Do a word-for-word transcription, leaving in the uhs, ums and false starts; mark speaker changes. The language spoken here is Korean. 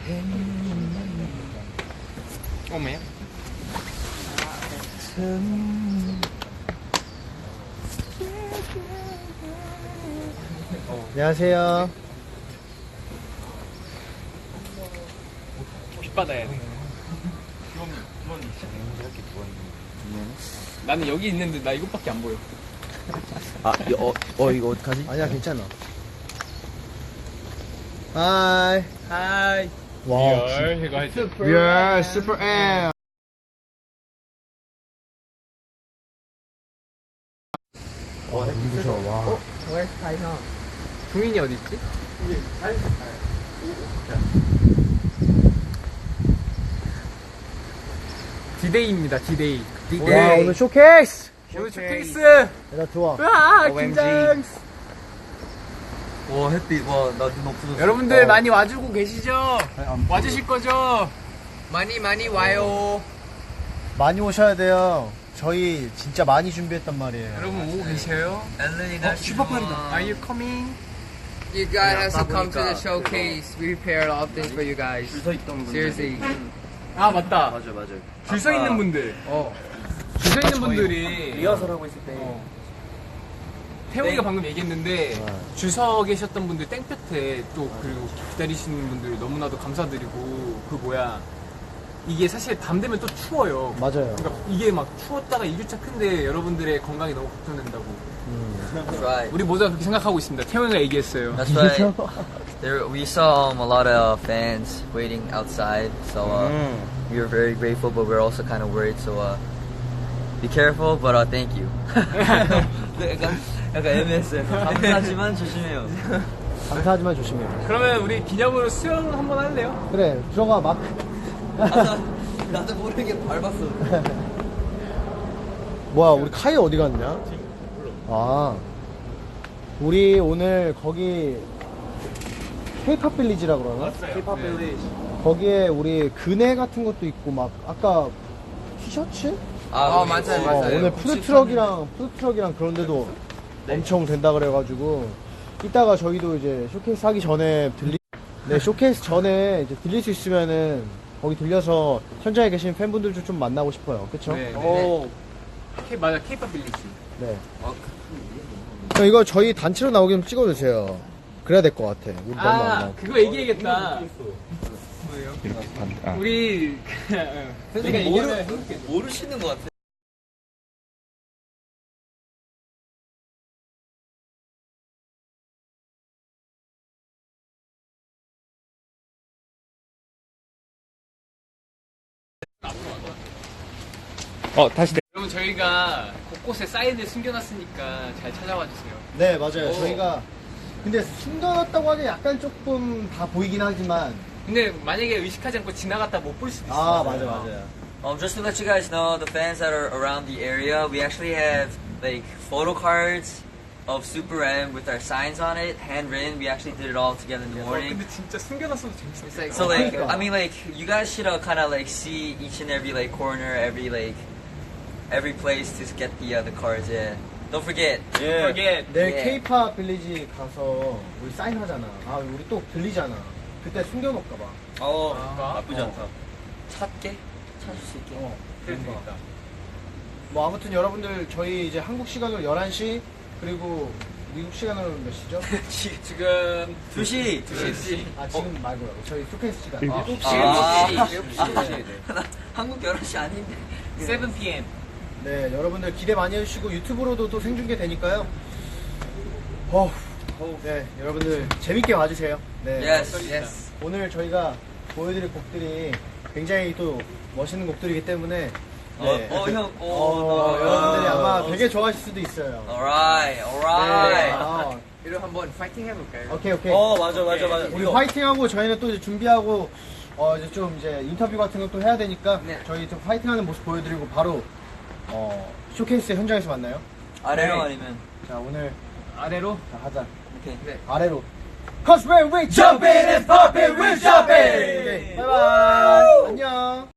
Speaker 1: 오메요?
Speaker 2: 안녕하세요.
Speaker 1: 빛 받아야 돼. 나는 여기 있는데 나 이것밖에 안 보여.
Speaker 3: 아, 어, 어 이거 어떡하지?
Speaker 2: 아니야, 괜찮아. 하이.
Speaker 1: 하이.
Speaker 2: 와,
Speaker 1: 리얼 이거 할 때.
Speaker 2: 리얼 슈퍼 M. 와, 눈부셔. 와.
Speaker 1: 종인이 어디 있지? 디데이입니다. 디데이.
Speaker 2: 와, 오늘 쇼케이스.
Speaker 1: 오늘 쇼케이스.
Speaker 2: 얘들아, 좋아.
Speaker 1: 와,
Speaker 3: 오엠지.
Speaker 1: 긴장.
Speaker 3: 와, 햇빛, 와, 나 눈 없어졌어.
Speaker 1: 여러분들
Speaker 2: 어.
Speaker 1: 많이 와주고 계시죠? 와주실 거죠? 많이 많이 와요.
Speaker 2: 많이 오셔야 돼요. 저희 진짜 많이 준비했단 말이에요.
Speaker 1: 여러분 오고 계셔요?
Speaker 3: 엘렌이가 슈퍼판이다.
Speaker 1: Are you coming?
Speaker 4: You guys have to come to the showcase. We prepared all things for you guys.
Speaker 3: 줄서 있던 분들.
Speaker 4: Seriously.
Speaker 1: 아 맞다.
Speaker 3: 맞아, 맞아.
Speaker 1: 줄 서 있는 분들. 어. 줄 서 있는 분들이
Speaker 3: 리허설 하고 있을 때.
Speaker 1: 어. 태용이가 방금 얘기했는데 줄 서 계셨던 분들 땡볕에 또 그리고 기다리시는 분들 너무나도 감사드리고 그 뭐야 이게 사실 밤 되면 또 추워요.
Speaker 2: 맞아요.
Speaker 1: 그러니까 이게 막 추웠다가 이 주차 큰데 여러분들의 건강이 너무 걱정된다고.
Speaker 3: That's right.
Speaker 1: 우리 모두가 그렇게 생각하고 있습니다. 태용이가 얘기했어요.
Speaker 3: That's right. There, we saw um, a lot of fans waiting outside, so uh, we were very grateful, but we're also kind of worried. So uh, be careful, but uh, thank you. 약간 약간 애매했어요. 감사하지만 조심해요.
Speaker 2: 감사하지만 조심해요.
Speaker 1: 그러면 우리 기념으로 수영 한번 할래요?
Speaker 2: 그래, 들어가, 막.
Speaker 3: 나도 모르게 밟았어.
Speaker 2: 뭐야, 우리 카이 어디 갔냐? 아, 우리 오늘 거기 K-팝 빌리지라 그러나?
Speaker 1: K-pop Village.
Speaker 2: 거기에 우리 그네 같은 것도 있고 막 아까 티셔츠?
Speaker 3: 아,
Speaker 4: 어, 맞아요,
Speaker 2: 어,
Speaker 4: 맞아요.
Speaker 2: 오늘 푸드트럭이랑 푸드트럭이랑 그런 데도 엄청 된다 그래가지고 이따가 저희도 이제 쇼케이스 하기 전에 들리 네 쇼케이스 전에 이제 들릴 수 있으면은 거기 들려서 현장에 계신 팬분들 좀 만나고 싶어요. 그쵸?
Speaker 1: 네.
Speaker 3: 오.
Speaker 1: K, 맞아, K-pop 빌리지.
Speaker 2: 네. 형 이거 저희 단체로 나오게 좀 찍어주세요. 그래야 될 것 같아. 우리 너무 안
Speaker 1: 아,
Speaker 2: 나오고.
Speaker 1: 그거 얘기해야겠다. 뭐예요? 우리, 내가 얘기하면 해볼게.
Speaker 3: 모르시는 것 같아.
Speaker 1: 어, 다시. 여러분, 저희가 곳곳에 사인을 숨겨놨으니까 잘 찾아와 주세요.
Speaker 2: 네 맞아요.
Speaker 1: 오.
Speaker 2: 저희가 근데 숨겨놨다고 하기 약간 조금 다 보이긴 하지만
Speaker 1: 근데 만약에 의식하지 않고 지나갔다 못 볼 수도 있어.
Speaker 2: 아 맞아 맞아요.
Speaker 3: Um, just to let you guys know, the fans that are around the area, we actually have like photo cards of Super M with our signs on it, handwritten. We actually did it all together in the
Speaker 1: 어,
Speaker 3: morning.
Speaker 1: 근데 진짜 숨겨놨어도 재밌어.
Speaker 4: It's like,
Speaker 3: So like,
Speaker 2: 그러니까.
Speaker 3: I mean like, you guys should uh, kind of like see each and every like corner, every like, every place to get the uh, the cards. Yeah. Don't forget.
Speaker 1: Don't forget.
Speaker 2: 내일
Speaker 3: 예.
Speaker 2: K-팝 빌리지 가서 우리 사인하잖아. 아 우리 또 들리잖아. 그때 숨겨놓을까봐.
Speaker 3: 어,
Speaker 1: 아,
Speaker 3: 나쁘지 않다. 찾게, 찾을 수 있게.
Speaker 2: 어.
Speaker 1: 그럴 수 있다.
Speaker 2: 뭐 아무튼 여러분들 저희 이제 한국 시간으로 열한 시 그리고 미국 시간으로 몇 시죠?
Speaker 1: 지금
Speaker 3: 두 시.
Speaker 1: 두 시.
Speaker 2: 아 지금 말고요. 저희 쇼케이스 시간.
Speaker 1: 아,
Speaker 2: 일곱 시.
Speaker 3: 아.
Speaker 1: 일곱 시. 일곱 시.
Speaker 3: 나 한국 열한 시 아닌데.
Speaker 1: 세븐 피엠.
Speaker 2: 네, 여러분들 기대 많이 해주시고 유튜브로도 또 생중계 되니까요. 어, 네, 여러분들 재밌게 봐주세요. 네,
Speaker 3: Yes.
Speaker 4: yes.
Speaker 2: 오늘 저희가 보여드릴 곡들이 굉장히 또 멋있는 곡들이기 때문에
Speaker 3: 어,
Speaker 2: 네.
Speaker 3: 어, 형, 어,
Speaker 2: 어,
Speaker 3: 나-
Speaker 2: 여러분들이
Speaker 3: 어,
Speaker 2: 아마
Speaker 3: 어,
Speaker 2: 되게 좋아하실 수도 있어요.
Speaker 3: Alright,
Speaker 2: 네,
Speaker 3: alright.
Speaker 2: 아,
Speaker 4: 이런 한번 파이팅 해볼까요?
Speaker 2: 오케이 오케이.
Speaker 3: 어, 맞아, 맞아, 맞아.
Speaker 2: 우리
Speaker 3: 이거.
Speaker 2: 화이팅하고 저희는 또 이제 준비하고 어 이제 좀 이제 인터뷰 같은 것도 해야 되니까
Speaker 4: 네.
Speaker 2: 저희 좀 화이팅하는 모습 보여드리고 바로 어 쇼케이스 현장에서 만나요.
Speaker 3: 아래로
Speaker 1: 네.
Speaker 3: 아니면.
Speaker 2: 자 오늘
Speaker 1: 아래로.
Speaker 2: 자, 하자.
Speaker 3: 오케이.
Speaker 2: 아래로. Cause when we jump in and pop it, we jump in. 오케이, 바이바이. 안녕.